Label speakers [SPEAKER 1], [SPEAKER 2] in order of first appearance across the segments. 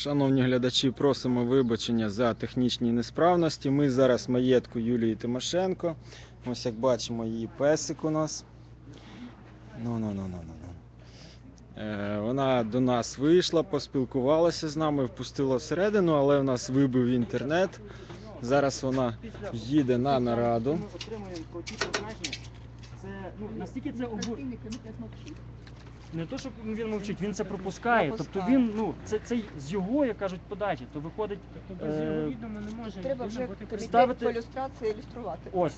[SPEAKER 1] Шановні глядачі, просимо вибачення за технічні несправності. Ми зараз в маєтку Юлії Тимошенко. Ось як бачимо, її песик у нас. Вона до нас вийшла, поспілкувалася з нами, впустила всередину, але в нас вибив інтернет. Зараз вона їде на нараду.
[SPEAKER 2] Ми отримуємо про ті призначення. Це, настільки це не то, що він мовчить, він це пропускає. Тобто він, це з його, як кажуть, подачі, то виходить.
[SPEAKER 3] Тобто з його відомо не може
[SPEAKER 4] треба вже
[SPEAKER 3] бути
[SPEAKER 4] комітет по ілюстрації ілюструвати.
[SPEAKER 2] Ось.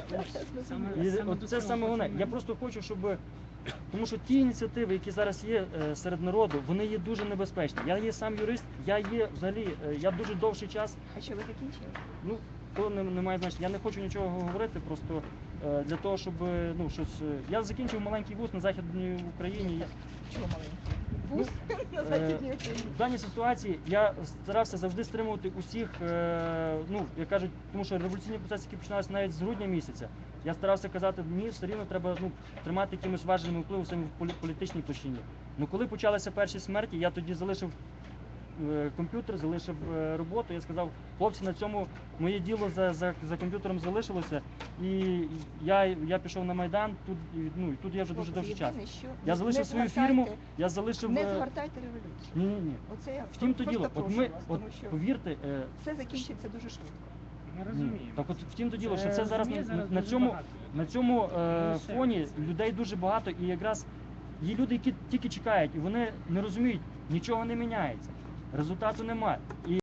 [SPEAKER 2] Це саме головне. Я просто хочу, щоб. Тому що ті ініціативи, які зараз є серед народу, вони є дуже небезпечні. Я є сам юрист, я є взагалі, я дуже довший час.
[SPEAKER 4] А що ви закінчили?
[SPEAKER 2] То не має значення. Я не хочу нічого говорити, просто для того, щоб щось. Я закінчив маленький вуз на Західній Україні.
[SPEAKER 4] Чого маленький? Вуз на Західній Україні?
[SPEAKER 2] В даній ситуації я старався завжди стримувати усіх, як кажуть, тому що революційні процеси, які починалися навіть з грудня місяця, я старався казати, мені все рівно треба тримати якимось важливим впливом саме в політичній площині. Коли почалися перші смерті, я тоді залишив комп'ютер, залишив роботу, я сказав, хлопці, на цьому моє діло за комп'ютером залишилося, і я пішов на Майдан, тут я вже дуже довгий час. Я залишив свою фірму, я залишив...
[SPEAKER 4] Не згортайте революцію.
[SPEAKER 2] Ні.
[SPEAKER 4] Оце я
[SPEAKER 2] втім то діло, повірте...
[SPEAKER 4] Все закінчиться дуже швидко.
[SPEAKER 3] Я розумію.
[SPEAKER 2] Так от втім то діло, що це зараз на цьому фоні людей дуже багато, і якраз є люди, які тільки чекають, і вони не розуміють, нічого не міняється, результату немає.